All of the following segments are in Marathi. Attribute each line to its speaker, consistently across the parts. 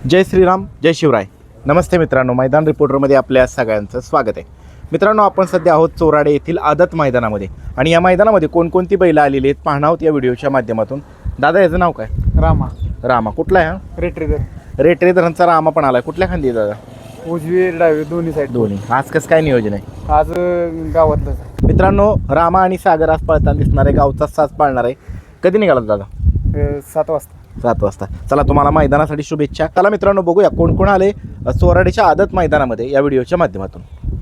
Speaker 1: जय श्रीराम जय शिवराय. नमस्ते मित्रांनो, मैदान रिपोर्टरमध्ये आपल्या सगळ्यांचं स्वागत आहे. मित्रांनो, आपण सध्या आहोत चोराडे येथील आदत मैदानामध्ये आणि या मैदानामध्ये कोणकोणती बैलं आलेली आहेत पाहणार आहोत या व्हिडिओच्या माध्यमातून. दादा, याचं नाव काय? रामा. कुठला आहे हा? रेटरेधरांचा रामा पण आला. कुठल्या खांदी दादा?
Speaker 2: उजवी डावी दोन्ही साईड.
Speaker 1: दोन्ही. आज कसं काय नियोजन आहे?
Speaker 2: आज गावातलं
Speaker 1: मित्रांनो, रामा आणि सागर आज पळताना दिसणार आहे. गावचा साज पाळणार आहे. कधी निघाला दादा?
Speaker 2: 7 वाजता.
Speaker 1: 7 वाजता. चला, तुम्हाला मैदानासाठी शुभेच्छा. चला मित्रांनो, बघूया कोण कोण आले चोराडेच्या आदत मैदानामध्ये या व्हिडिओच्या माध्यमातून.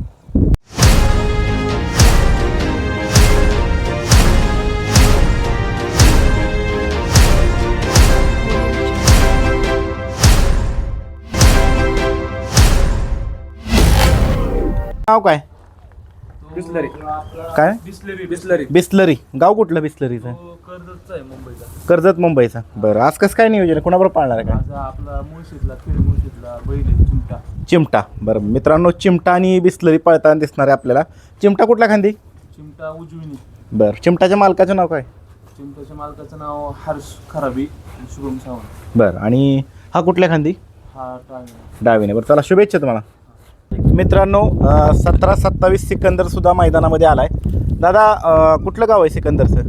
Speaker 1: नाव काय?
Speaker 2: बिस्लरी.
Speaker 1: काय? बिस्लरी. गाव कुठलं बिस्लरीचं?
Speaker 2: कर्जतचा आहे, मुंबईचा.
Speaker 1: कर्जत, मुंबईचा. बरं, आज कसं काय नियोजन आहे? कोणाबरोबर पाळणार आहे?
Speaker 2: आज आपला मुळशीतला बैल आहे, चिमटा.
Speaker 1: चिमटा. बरं मित्रांनो, चिमटा आणि बिस्लरी पळताना दिसणार आहे आपल्याला. चिमटा कुठल्या खांदी?
Speaker 2: चिमटा उजवीनी.
Speaker 1: बरं, चिमटाच्या मालकाचं नाव काय?
Speaker 2: चिमटाच्या मालकाचं नाव हर्ष खराबी, शुभम सावंत.
Speaker 1: बरं, आणि हा कुठल्या खांदी?
Speaker 2: हा
Speaker 1: डावीने. बरं, चला शुभेच्छा तुम्हाला. मित्रांनो, 17-27 सिकंदर सुद्धा मैदानामध्ये आलाय. दादा, कुठलं गाव आहे सिकंदरचं?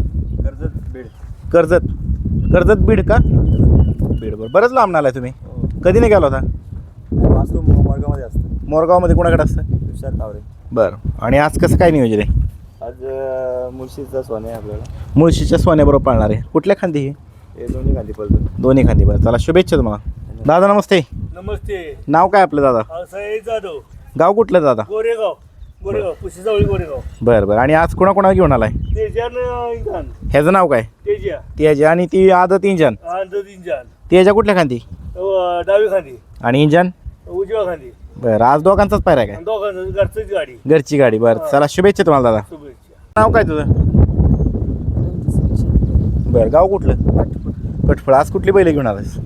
Speaker 1: कर्जत बीड का? बीड. बरं, बरंच लांब आलाय तुम्ही. कधी नाही गेला होता?
Speaker 2: मोरगावमध्ये असतं.
Speaker 1: मोरगावमध्ये कोणाकडे असतं?
Speaker 2: तुषार तावरे.
Speaker 1: बरं, आणि आज कसं काय नियोजन आहे?
Speaker 2: आज मुळशीचा सोने आहे आपल्याला.
Speaker 1: मुळशीच्या सोन्याबरोबर पाळणार आहे. कुठल्या खांदी ही?
Speaker 2: हे दोन्ही खांदी पडतो.
Speaker 1: दोन्ही खांदी. बरं, चला शुभेच्छा तुम्हाला. दादा नमस्ते.
Speaker 2: नमस्ते.
Speaker 1: नाव काय आपलं दादा?
Speaker 2: जाधव.
Speaker 1: गाव कुठलं दादा?
Speaker 2: गोरेगाव. पुशीजवळ गोरेगाव.
Speaker 1: बरं, आणि आज कोणा घेऊन आलाय?
Speaker 2: तेजान.
Speaker 1: ह्याचं नाव काय? तेजा. आणि ती आदत इंजन. तेजा कुठल्या खांदी?
Speaker 2: डावी खांदी.
Speaker 1: आणि इंजन
Speaker 2: उजव्या खांदी.
Speaker 1: बरं, आज दोघांचाच पायरा आहे काय?
Speaker 2: दोघांचं घरचीच गाडी.
Speaker 1: घरची गाडी. बरं, चला शुभेच्छा तुम्हाला दादा.
Speaker 2: शुभेच्छा.
Speaker 1: नाव काय तुझं? बरं, गाव कुठलं? कटफळ. आज कुठली बैल घेऊन आलास?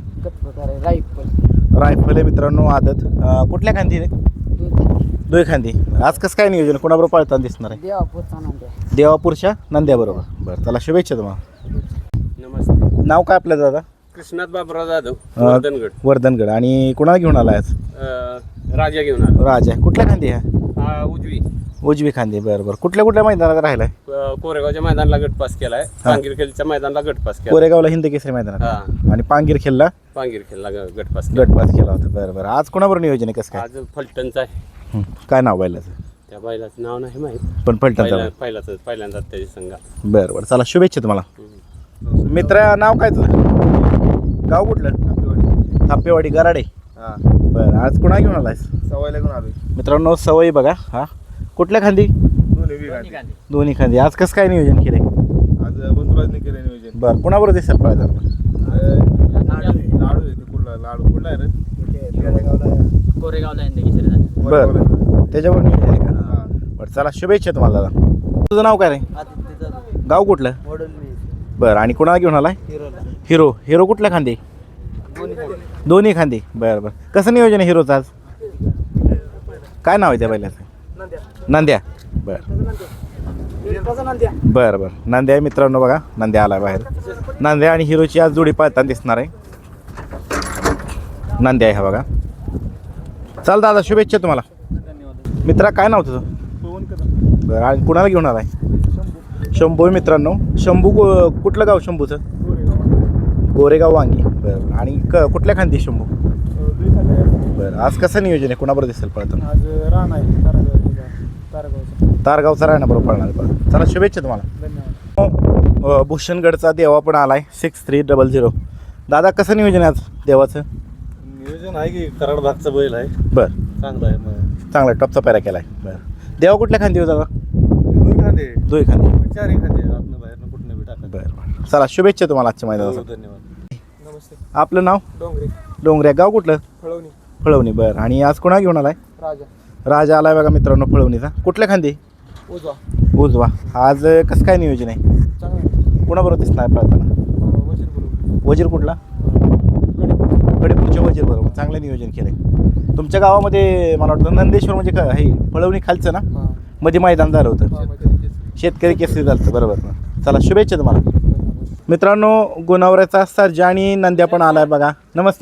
Speaker 1: रायफल आहे मित्रांनो. आदत कुठल्या खांदी रे? दोय खांदी. आज कसं काय नियोजन? कोणाबरोबर पळताना दिसणार आहे? देवापूरच्या नंद्याबरोबर. बरं, चला शुभेच्छा तुम्हाला.
Speaker 2: नमस्ते.
Speaker 1: नाव काय आपलं दादा?
Speaker 2: कृष्णात बाबराव जाधव,
Speaker 1: वर्धनगड. आणि कोणाला घेऊन आलाय आज?
Speaker 2: राजा घेऊन आलो.
Speaker 1: राजा. कुठल्या खांदी ह्या? उजवी खांदी. बरं, कुठल्या मैदानात राहिलाय?
Speaker 2: कोरेगावच्या मैदानाला गटपास केलाय. पांगिरखेलच्या मैदानाला गटपास केला.
Speaker 1: कोरेगावला हिंद केसरी मैदानात आणि पांगिरखेलला
Speaker 2: गटपास
Speaker 1: केला होता. बरं, आज कोणाबरोबर नियोजन आहे? कसं काय?
Speaker 2: आज फलटणचा आहे.
Speaker 1: काय नाव बैलाचं?
Speaker 2: त्या बैलाचं नाव नाही माहित,
Speaker 1: पण फलटणचा.
Speaker 2: पहिल्यांदा त्याची संघा.
Speaker 1: बरं, चला शुभेच्छा तुम्हाला. मित्र, नाव काय तुझं? गाव कुठलं? थापेवाडी. गराडे. बरं, आज कोणा घेऊन आलायस?
Speaker 2: सवयला घेऊन आलो
Speaker 1: मित्रांनो. सवय बघा. हा कुठल्या खांदी? दोन्ही खांदी. आज कसं काय नियोजन केलंय?
Speaker 2: आज बंधुराजने केलं नियोजन.
Speaker 1: बरं, कोणाबरोबर दिसेल पाहिजे? बरं, त्याच्यावर नियोजन आहे का? बरं, चला शुभेच्छा तुम्हाला दादा. तुझं नाव काय रे? गाव कुठलं? बरं, आणि कोणाला घेऊन आलाय? हिरो कुठल्या खांदी? दोन्ही खांदी. बरं, कसं नियोजन आहे हिरोचं आज? काय नाव आहे त्या बैलाचं? नंद्या. बरं, नंद्या आहे मित्रांनो. बघा, नंद्या आलाय बाहेर. नंद्या आणि हिरोची आज जोडी पाळताना दिसणार आहे. नंद्या आहे हा बघा. चल दादा, शुभेच्छा तुम्हाला. मित्रा, काय नाव तुझं? बरं, आणि कुणाला घेऊन आलाय? शंभू मित्रांनो. शंभू कुठलं गाव शंभूचं? गोरेगाव वांगी. बरं, आणि कुठल्या खांदी शंभू? बरं, आज कसं नियोजन आहे? कुणाबरोबर दिसेल पळताना?
Speaker 2: आज राणा आहे,
Speaker 1: तारगावचा राहण्याबरोबर पळणार. बरं, चला शुभेच्छा तुम्हाला. धन्यवाद. भूषणगडचा देवा पण आलाय. 6300. दादा, कसं नियोजन आहे आज देवाचं?
Speaker 2: नियोजन आहे की कराड भागचा बैल आहे.
Speaker 1: बरं,
Speaker 2: चांगला आहे.
Speaker 1: चांगला टॉपचा पॅरा केलाय. बरं, देवा कुठल्या खांदी हो दादा? दोन खांदी.
Speaker 2: चारही खांदे आपलं बाहेर कुठनं बी टाका.
Speaker 1: बरं, चला शुभेच्छा तुम्हाला आजच्या मैदानासाठी.
Speaker 2: धन्यवाद. नमस्ते.
Speaker 1: आपलं नाव? डोंगरे. गाव कुठलं? फळवणी. बरं, आणि आज कोणा घेऊन आलाय? राजा आलाय बघा मित्रांनो, फळवणीचा. कुठल्या खांदी? उजवा. आज कसं काय नियोजन आहे? कोणाबरोबर दिसणार पळताना? वजीर कुठला? कडेपूरच्या वजीर बरोबर. चांगलं नियोजन केलंय. तुमच्या गावामध्ये मला वाटतं नंदेश्वर म्हणजे हे फळवणी खालचं ना, मध्ये मैदान झालं होतं. शेतकरी केसरी झालं होतं. बरोबर. चला शुभेच्छा तुम्हाला. मित्रांनो, गुणावऱ्याचा सर्जा आणि नंद्या पण आलाय बघा. नमस्ते.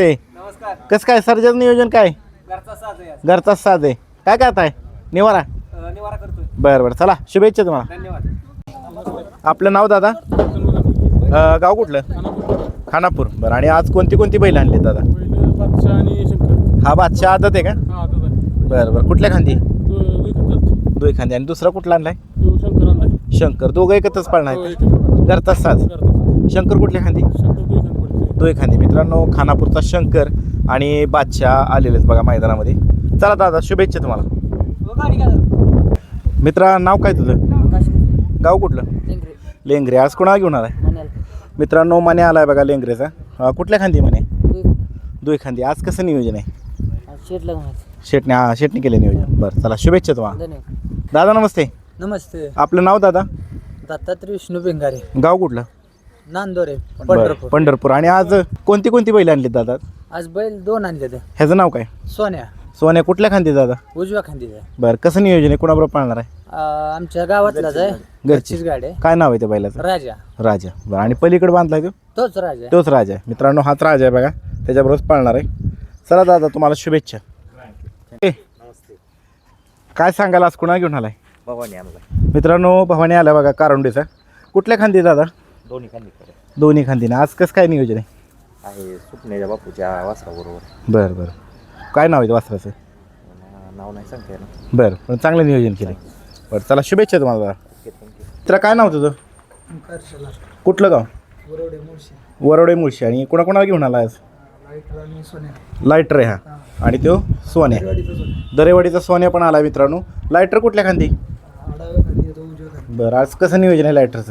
Speaker 2: नमस्कार.
Speaker 1: कसं काय सर्जाचं नियोजन काय
Speaker 2: घरचा साज आहे आज.
Speaker 1: घरचाच साज आहे काय करताय निवारा
Speaker 2: निवारा करतोय.
Speaker 1: बरं बरं चला शुभेच्छा तुम्हाला.
Speaker 2: धन्यवाद.
Speaker 1: आपलं नाव दादा गाव कुठलं खानापूर. बरं आणि आज कोणती कोणती बैल आणली दादा. हा बादशाह आदत आहे का. बरं बरं कुठल्या खांदी दोय खांदी आणि दुसरा कुठला आणलाय शंकर. दोघं एकत्रच पाळणार आहेत घरचाच साज. शंकर कुठल्या खांदी दोय खांदी. मित्रांनो खानापूरचा शंकर आणि बादशाह आलेलेच बघा मैदानामध्ये. चला दादा शुभेच्छा तुम्हाला. मित्रा नाव काय तुझं गाव कुठलं लेंगरे. आज कोणाला घेऊन आलाय मित्रांनो मने आलाय बघा लेंगरेचा. कुठल्या खांदी मने दोय खांदी. आज कसं नियोजन आहे शेटने केले नियोजन. बरं चला शुभेच्छा तुम्हाला. दादा नमस्ते.
Speaker 3: नमस्ते.
Speaker 1: आपलं नाव दादा
Speaker 3: दत्तात्रय विष्णू बेंगारे.
Speaker 1: गाव कुठलं
Speaker 3: नांदोरे
Speaker 1: बरं,
Speaker 3: पंढरपूर.
Speaker 1: पंढरपूर. आणि आज कोणती कोणती बैल आणली दादा.
Speaker 3: आज बैल 2 आणले ते.
Speaker 1: ह्याचं नाव काय
Speaker 3: सोन्या
Speaker 1: सोन्या कुठल्या खांदी दादा.
Speaker 3: उजव्या खांदीचा.
Speaker 1: बरं कसं नियोजन आहे कुणाबरोबर पाळणार आहे
Speaker 3: आमच्या गावातलाच आहे. घरचीच गाडी आहे.
Speaker 1: काय नाव आहे त्या बैलाचं
Speaker 3: राजा.
Speaker 1: राजा. बरं आणि पलीकडे बांधलाय तो
Speaker 3: तोच राजा आहे.
Speaker 1: तोच राजा आहे. मित्रांनो हाच राजा आहे बघा त्याच्याबरोबर पाळणार आहे. चला दादा तुम्हाला शुभेच्छा. काय सांगाल आज कुणा घेऊन आलाय
Speaker 4: भवानी आणला
Speaker 1: मित्रांनो भवानी आला बघा कारुंडीचा. कुठल्या खांदी दादा
Speaker 4: दोन्ही खांदी
Speaker 1: दोन्ही खांदीने. आज कसं काय नियोजन आहे
Speaker 4: सुपण्याच्या बापूच्या वासराबरोबर.
Speaker 1: बरं बरं काय नाव आहे वासराचं
Speaker 4: नाव नाही सांगते ना.
Speaker 1: बरं पण चांगलं नियोजन केलं. बरं चला शुभेच्छा तुम्हाला दादा. मित्रा काय नाव तुझं कुठलं गाव वरोडे मुळशी. आणि कोणाकोणाला घेऊन आला आज लायटर आहे हा आणि तो सोन्या दरेवाडीचा सोन्या पण आला मित्रांनो. लायटर कुठल्या खांदी बरं आज कसं नियोजन आहे लायटरचं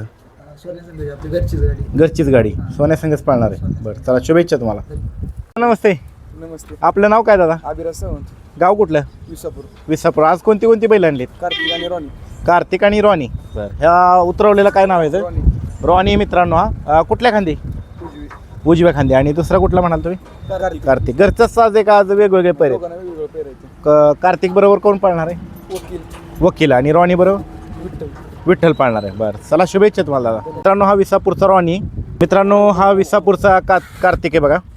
Speaker 1: घरचीच गाडी सोन्या संघच पाळणार आहे. बरं चला शुभेच्छा तुम्हाला. नमस्ते.
Speaker 2: नमस्ते.
Speaker 1: आपलं नाव काय दादा
Speaker 2: अभिराज सावंत
Speaker 1: गाव कुठलं
Speaker 2: विसापूर.
Speaker 1: विसापूर. आज कोणती कोणती बैल आणलीत
Speaker 2: कार्तिक आणि रॉनी.
Speaker 1: कार्तिक आणि रॉनी. बरं ह्या उतरवलेला काय नाव आहे
Speaker 2: रॉनी
Speaker 1: रॉनी मित्रांनो. हा कुठल्या खांदी
Speaker 2: उजवी.
Speaker 1: उजव्या खांदी. आणि दुसरा कुठला म्हणाल तुम्ही
Speaker 2: कार्तिक.
Speaker 1: कार्तिक. घरचाच साज आहे का आज वेगवेगळे पैरे
Speaker 2: दोघांना वेगवेगळं पेरायचं.
Speaker 1: कार्तिक बरोबर कोण पाळणार आहे
Speaker 2: वकील
Speaker 1: वकील. आणि रॉनी बरोबर
Speaker 2: विठ्ठल.
Speaker 1: विठ्ठल पाळणार आहे. बरं चला शुभेच्छा तुम्हाला दादा. मित्रांनो हा विसापूरचा रॉनी. मित्रांनो हा विसापूरचा कार्तिक आहे बघा.